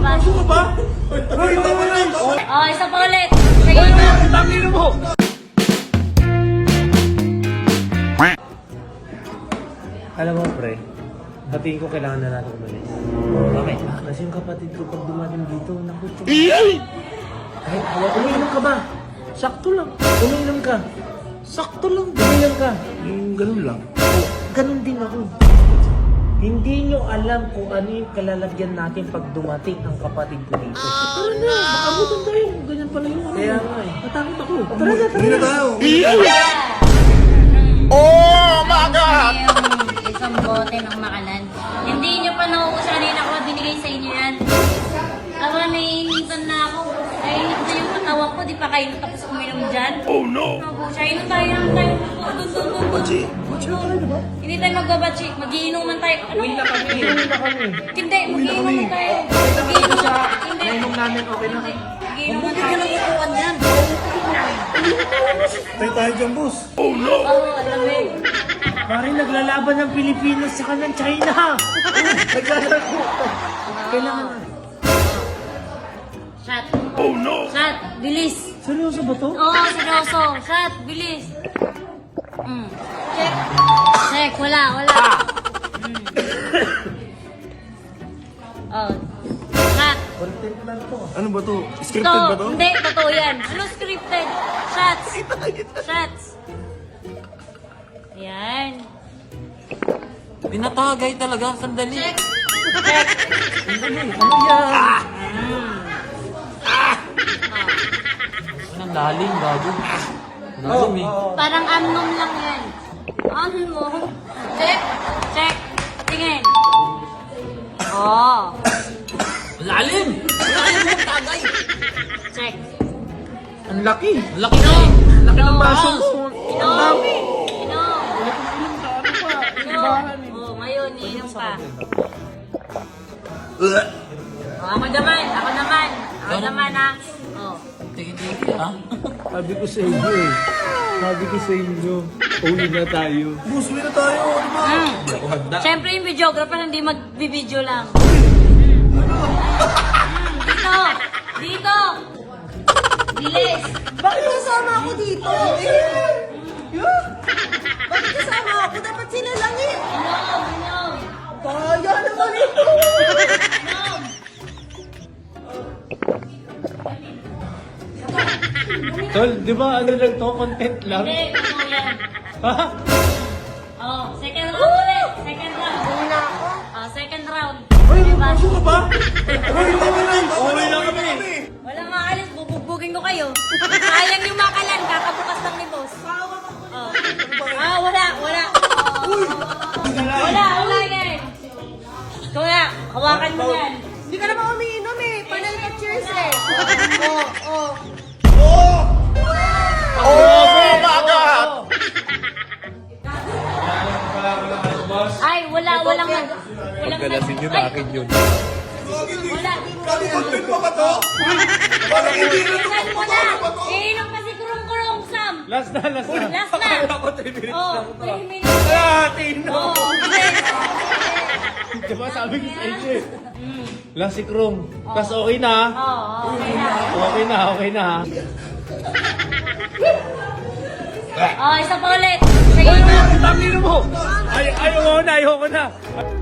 pa. Gusto ka ba? Hoy, tama na. Oh, isa pa ulit. Sige. Tangin mo! Alam mo, pre, batiin ko kailangan na natin umalis. Bakit? Kasi yung kapatid ko pag dumating dito, naku, kahit umiinom ka ba? Sakto lang. Umiinom ka. Sakto lang. Umiinom ka. Yung ganun lang. Oh, ganun din ako. Hindi nyo alam kung ano yung kalalagyan natin pag dumating ang kapatid ko dito. Tara na, makabutan tayo. Ganyan pala yung ano. Kaya nga eh. Natakot ako. Tara na, tara Hindi na na. tayo. Oh my God! Yung isang bote ng makalan. Hindi nyo pa nauusa kanina ko binigay sa inyo yan. Ako naiinitan na ako. Nainit na yung katawan ko. Di pa kayo tapos uminom dyan. Oh no! Siya, inom tayo. Dun. Hindi tayo magbabatsi. Magiinuman tayo. Ano? Uwi na kami. Hindi, magiinuman tayo. Magiinuman tayo. Hindi. Nainom namin, okay na. Magiinuman tayo. Upuan yan. Tayo dyan, boss. Oo, alam mo. Parang naglalaban ng Pilipinas sa ng China. Naglalaban. Kailangan na. Shot. Oh no! Shot, bilis. Seryoso ba to? Oo, seryoso. Shot, bilis. Check. Check, wala. Oh. Shot. Content lang to. Ano ba to? Scripted ba to? Hindi, totoo yan. Ano scripted? Shots. Shots. Yan. Pinatagay talaga, sandali. Check. Check. Ano yan? Anong lalim, gago. Lalim eh. Parang amnom lang yan. Amnom. Check. Check. Tingin. Oh. Lalim! Lalim mo, tagay! Check. Ang laki. Laki na eh. Laki ng baso mo. Inom. Inom. Oh, ngayon, iinom pa. Oh, ako naman ha. Oh. Tiki-tiki, ha? Sabi ko sa inyo eh. Sabi ko sa inyo. Uli na tayo. Boss, uwi na tayo. Ano ba? Hindi ako hagda. Siyempre yung videographer hindi magbibideo lang. Dito! Dito! Bilis! Bakit kasama ako dito? Bakit kasama ako? Dapat sila lang eh. Inom! Kaya naman ito. Inom! Tol, di ba ano lang to? Content lang? Hindi, ano yan? Ha? Oh, second round ulit. Second round. Una ako. Oh, second round. Hoy, Diba? gusto ka ba? Hoy, tama na. Uwi lang kami. Walang maalis, bubugbugin ko kayo. Sayang yung makalan, kakabukas lang ni boss. Oh. Ah, wala. Wala yan. Ikaw nga, hawakan mo yan. Hindi ka naman umiinom eh. Panay ka cheers eh. Oh. Ay, walang Pagkalasin nyo na akin yun. Wala. Content pa ba to? Parang hindi na to. Ilan mo na. Iinom pa si Kurong-Kurong Sam. Last na. Last na. Akala ko 3 minutes Oh, lang to. 3 minutes. Tino. Oh, bilis. Diba sabi ko sa inyo eh. Last si Krum. Tapos okay na. Oh, okay na. Okay na. Oh, isa pa ulit. Sige. Tangin mo. Ayaw ko na.